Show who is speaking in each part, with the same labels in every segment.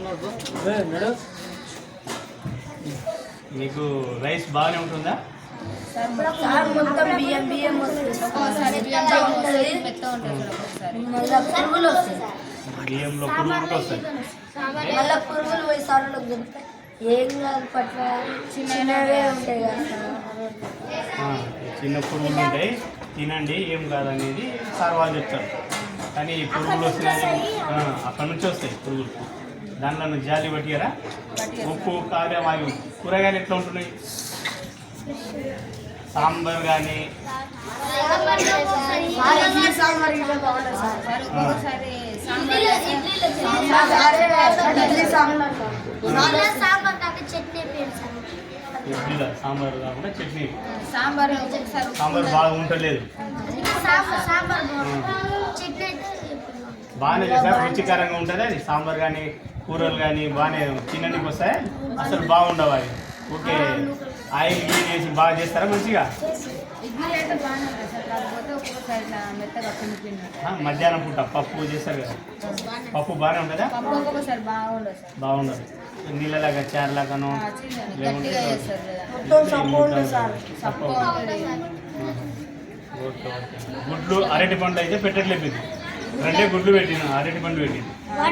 Speaker 1: మీకు రైస్ బాగానే ఉంటుందా?
Speaker 2: మొత్తం బియ్యం బియ్యం పురుగులు వస్తాయి,
Speaker 1: బియ్యంలో పురుగులు వస్తాయి,
Speaker 2: మళ్ళీ పురుగులు పోయి సార్లకు దొరుకుతాయి. ఏం కాదు పట్ల చిన్నవే ఉంటాయి కదా,
Speaker 1: చిన్న పురుగులు ఉంటాయి, తినండి ఏం కాదనేది సార్ వాళ్ళు చెప్తారు. కానీ ఈ పురుగులు వస్తున్నాయి అక్కడ నుంచి వస్తాయి పురుగులు. దాంట్లో జాలి పట్టియరా? ఉప్పు కారం అవి కూరగాయలు ఎట్లా ఉంటున్నాయి? సాంబార్ కానీ ఇడ్లీలో సాంబార్ కాకుండా చట్నీ, సాంబార్ బాగా ఉండలేదు. బాగానే చేస్తారు, రుచికరంగా ఉంటుంది అది. సాంబార్ కానీ కూరలు కానీ బాగానే తినడానికి వస్తాయి. అసలు బాగుండవు అవి. ఓకే, ఆయిల్ గీల్ వేసి బాగా చేస్తారా మంచిగా? మధ్యాహ్నం పూట పప్పు చేస్తారు కదా, పప్పు బాగానే ఉంటుందా? బాగుండదు, నీళ్ళలాగా చారులాగాను లేకుంటే ఓకే. గుడ్లు అరటి పండు అయితే పెట్టట్లేదు, ఇది 2 గుడ్లు పెట్టిన, అరటి పండు పెట్టింది.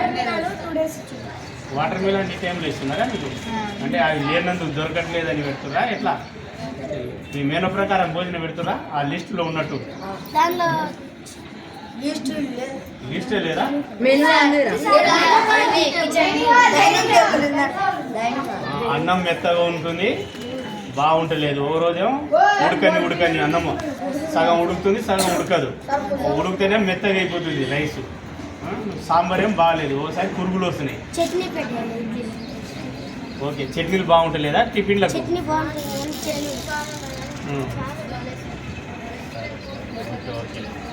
Speaker 1: వాటర్ మిలన్ ఈ టైంలో ఇస్తున్నారా మీకు? అంటే అవి లేనందుకు దొరకట్లేదని పెడుతురా ఎట్లా? మీ మేను ప్రకారం భోజనం పెడుతురా ఆ లిస్టులో ఉన్నట్టు? లిస్టే లేదా? అన్నం మెత్తగా ఉంటుంది, బాగుంటలేదు. ఓ రోజేమో ఉడకని అన్నము సగం ఉడుకుతుంది, సగం ఉడకదు. ఉడికితేనే మెత్తగా అయిపోతుంది రైస్. సాంబార్ ఏం బాగాలేదు, ఓసారి పురుగులు వస్తున్నాయి. ఓకే, చట్నీలు బాగుంటలేదా టిఫిన్లకు? Okay okay.